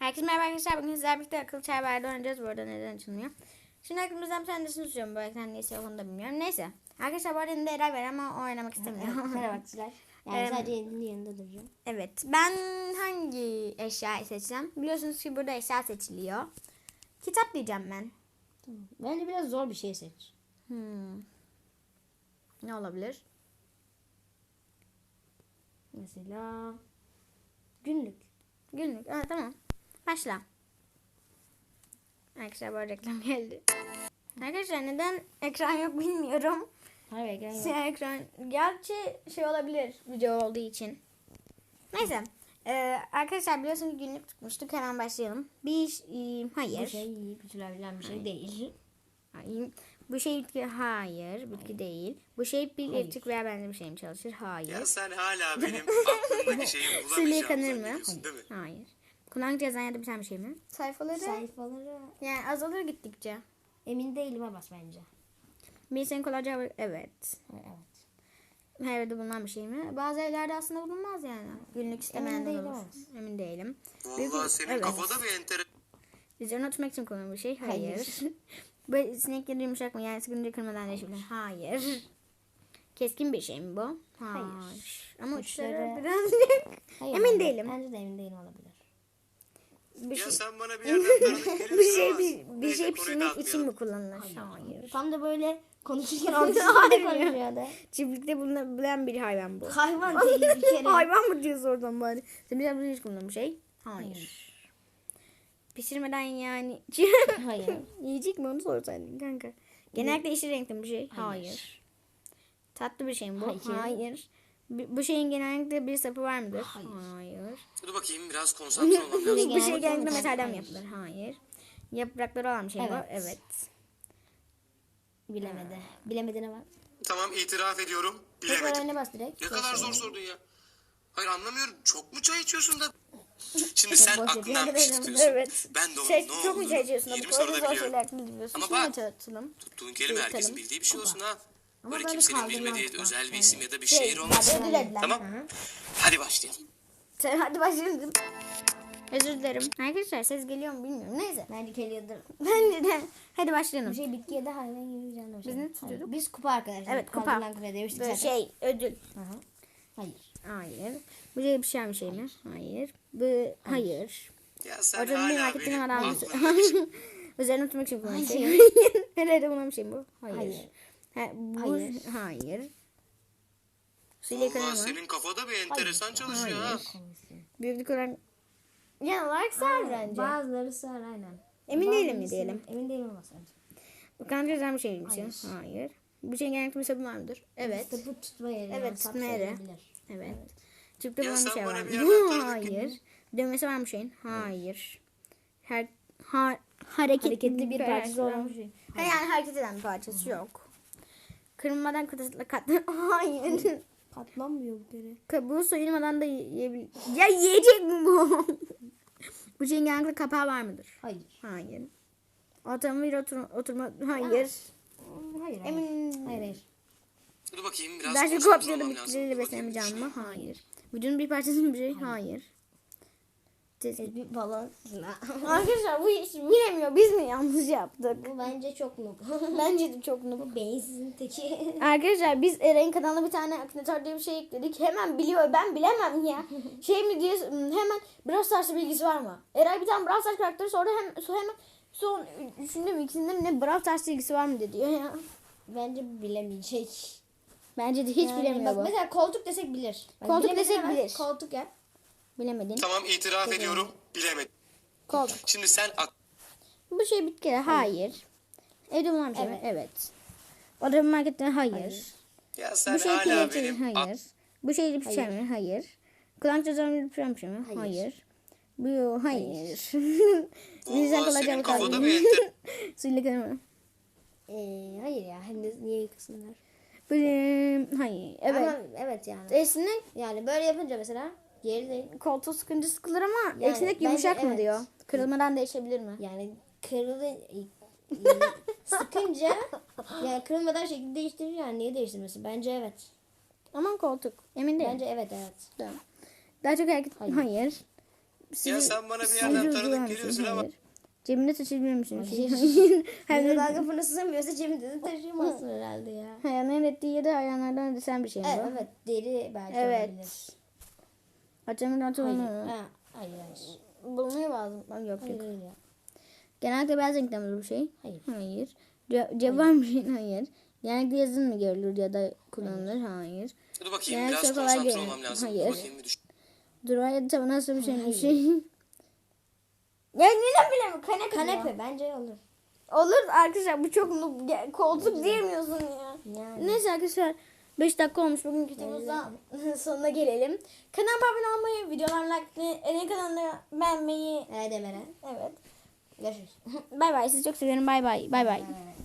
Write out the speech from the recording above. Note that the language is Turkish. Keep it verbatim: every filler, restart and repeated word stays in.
Herkese merhaba arkadaşlar. Bugün sizlerle birlikte akıllı çay bardağı oynayacağız. Bu arada neden açılmıyor? Şimdi aklımızdan bir tanesini tutuyorum. Bu ekran neyse onu da bilmiyorum. Neyse. Arkadaşlar bu arada elinde Eray var ama o oynamak istemiyor. Merhaba arkadaşlar. Yani Em, sadece elinin yanında duracağım. Evet. Ben hangi eşyayı seçeceğim? Biliyorsunuz ki burada eşya seçiliyor. Kitap diyeceğim ben. Tamam. Bence biraz zor bir şey seç. Hmm. Ne olabilir? Mesela günlük. Günlük. Evet, tamam. Başla. Arkadaşlar bu arada reklam geldi. Arkadaşlar neden ekran yok bilmiyorum. Hayır, gel. Siyah ekran. Gerçi şey olabilir video olduğu için. Neyse. Ee, arkadaşlar biliyorsunuz günlük tutmuştuk. Hemen başlayalım. Bir e, hayır. Bu şey yiyip içilebilen bir şey değil. Hayır. Bu şey bitki hayır. Bitki değil. Bu şey bir Hayır. elektrik veya benzer bir şey mi çalışır? Hayır. Ya sen hala benim aklımdaki şeyi Suyla bulamayacağımı yıkanır mı? zannediyorsun değil mi? Hayır. Kullanıcı yazan ya da biten bir şey mi? Sayfaları. Sayfaları Yani azalır gittikçe. emin değilim bas bence. Bir senin kolayca evet. Evet. Her evde bulunan bir şey mi? Bazı evlerde aslında bulunmaz yani. Günlük istemeyen de değilim olur. ama. Emin değilim. Büyük- Vallahi senin evet. kafada bir enter... Üzerine oturmak için kullanılan bir şey. Hayır. Hayır. Bu sinekleri yumuşak mı? Yani sıkıntı kırmadan değişebilir. Hayır. Keskin bir şey mi bu? Hayır. Hayır. Ama uçları Uçları- birazcık. Hayır, Emin bence- değilim. Bence de emin değilim olabilir. Bir Ya şey, sen bana bir yerden tanıdık geliyorsun bir şey, ama... bir, bir Neyse, şey konuyu pişirmek için dağıtmayalım. mi kullanılır? Hayır. Tam da böyle konuşurken Hayır. ortasında konuşuyordu. Çiftlikte bulunabilen bir hayvan bu. Hayvan değil bir kere. Hayvan mı diyorsun oradan bari? Sen biraz hiç kullanılan bir şey. Hayır. Pişirmeden yani. Hayır. Yiyecek mi onu sorsaydın kanka. Genellikle yeşil renkli bir şey. Hayır. Hayır. Tatlı bir şey mi bu? Hayır. Hayır. Bu bu şeyin genellikle bir sapı var mıdır? Hayır. Hayır. Dur bakayım biraz konsantre olmam lazım. Bu şey genellikle genellikle metal. metalden mi Hayır. yapılır? Hayır. Yaprakları olan bir şey mi bu? Evet. Evet. Bilemedi. Bilemedi ne var? Tamam itiraf ediyorum. Tekrar Bilemedim. önüne bas direkt. Ne kadar zor sordun ya. Hayır anlamıyorum. Çok mu çay içiyorsun da? Şimdi Çok sen boş aklından bir yapıyorum. şey tutuyorsun. Evet. Ben de onun Şey, ne çok mu olduğunu çay içiyorsun? Bu yirmi kadar soruda zor biliyorum. şeyler biliyorsun. Ama Şimdi bak, tartışalım. Tuttuğun kelime herkesin Yürütelim. bildiği bir şey olsun ha. Ama Böyle böyle kimsenin kaldırmaz bilmediği bak. özel bir Yani. isim ya da bir Şey, şehir olmasın. ödül edilen. Tamam. Hı. Hadi başlayalım. Sen- Hadi başlayalım. Özür dilerim. Arkadaşlar ses geliyor mu bilmiyorum. Neyse. Bence geliyordur. Bence de. Hadi başlayalım. Bu şey bitki ya da hayvan gibi bir canlı bir şey. Biz ne Hayır. tutuyorduk? Biz kupa arkadaşlar. Evet, kupa. Kaldırılan kupa demiştik Böyle zaten. şey ödül. Hı hı. Hayır. Hayır. Bu şey bir şey bir şey mi? Hayır. Bu hayır. Ya sen Orada bir hala marketin benim adam. aklımdaki şey... Üzerine oturmak için kullanılan şey. Hayır. Nerede bulunan bir şey bu? Hayır. Hayır. Ha, bu, Hayır. hayır. Suyla yıkanır Valla mı? senin kafada bir enteresan çalışıyor ha. Büyüklük olarak genel olarak sar bence. Bazıları sar aynen. Emin değilim mi Bazıları diyelim? sar. Emin değilim ama sence. Bu kanka özel bir şey mi? Hayır. Hayır. Bu şeyin genellikle bir sabun var mıdır? Evet. İşte bu tutma yeri. Evet, yani, sap tutma yeri. sayılabilir. Evet. Çipte Ya bulunan bir sen şey bana var mı? bir yerden tanıdık Hayır. Dövmesi var mı şeyin? Hayır. Her ha, hareketli, Hareketli bir parçası olan olan bir şey. Ha, yani hareket eden bir parçası yok. Kırılmadan kıtırtla katlı. Hayır. Katlanmıyor bu kere. Kabuğu soyulmadan da yiyebilir. Ya yiyecek mi bu? Bu şeyin genellikle kapağı var mıdır? Hayır. Hayır. Otomobil otur oturma. Hayır. Hmm, Hayır. Hayır. Emin. Hayır. hayır. Dur bakayım biraz Daha çok konsantre kopyalı olmam lazım. bitkileriyle Dur bakayım. beslenen bir canlı mı? Hayır. Vücudun bir parçası mı bir şey? Hayır. Ses- Bir balon. Arkadaşlar bu iş bilemiyor. Biz mi yanlış yaptık? Bu bence çok noob. Bence de çok noob. Bu beyinsizin teki. Arkadaşlar biz Eren'in kanalına bir tane akınatör diye bir şey ekledik. Hemen biliyor. Ben bilemem ya. Şey mi diye hemen Brawl Stars'la bilgisi var mı? Eray bir tane Brawl Stars karakteri sonra hem sonra hemen son üçünde mi ikisinde mi ne Brawl Stars bilgisi var mı dedi ya. Bence bilemeyecek. Bence de hiç Yani bilemiyor bak bu. Mesela koltuk desek bilir. Bak, Koltuk bilemedi desek hemen bilir. Koltuk yap. Bilemedin. Tamam itiraf ediyorum. Bilemedim. Koltuk. Şimdi sen ak- Bu şey bitki. Hayır. Evde bulunan bir şey mi? Evet. Orada bir markette hayır. Hayır. Ya sen Bu şey hala kelepçeli benim hayır. Bu şey bir şey mi? Hayır. Kulak cezamı bir şey mi? Hayır. Hayır. Bu hayır. Vallahi Bizden senin kalacak kafada bir enter... Suyla kanımı. Ee, hayır ya. Hem de niye yıkasınlar? Bu e, hayır. Evet. Ama evet yani. Esnek Yani böyle yapınca mesela geri değil. koltuğu sıkınca sıkılır ama Yani esnek bence yumuşak mı evet. diyor. Kırılmadan değişebilir mi? Yani kırılı sıkınca yani kırılmadan şekil değiştirir yani niye değiştirmesin? Bence evet. Aman koltuk. Emin değilim. Bence evet evet. Tamam. Daha çok hareket. Hayır. Hayır. Hayır. Ya sen bana bir Sizin yerden ucu var tanıdık mısın? geliyorsun ama. Hayır. Cebinde taşıyabilir misin? Hem de dalga fırlatamıyorsa cebinde de taşıyamazsın herhalde ya. Hayvanların ettiği yedi hayvanlardan ödesen bir şey mi Evet, bu? evet deri belki Evet. olabilir. Açamın Hayır. atılımı. Ha, hayır hayır. Bulmayı lazım. Yok yok. Hayır hayır ya. Genellikle beyaz renkte mi bu şey? Hayır. Hayır. Ce- cevap var mı şeyin? Hayır. Genellikle yazın mı görülür ya da kullanılır? Hayır. Dur bakayım Yani biraz çok kolay konsantre değil. olmam lazım. Hayır. Bakayım bir düşün. Duvar ya da tavan nasıl bir şey mi? Bir Hayır. şey. Ya neden bilemiyorum? Kanepe. Kanepe bence olur. Olur arkadaşlar bu çok noob. Ya, koltuk diyemiyorsun ya. Yani. Neyse arkadaşlar beş dakika olmuş bugünkü videomuzda sonuna gelelim. Kanalıma abone olmayı, videolarımı like etmeyi, kanalını beğenmeyi. Evet Emre. Evet. Görüşürüz. Bay bay sizi çok seviyorum bay bay. Bay bay. Evet.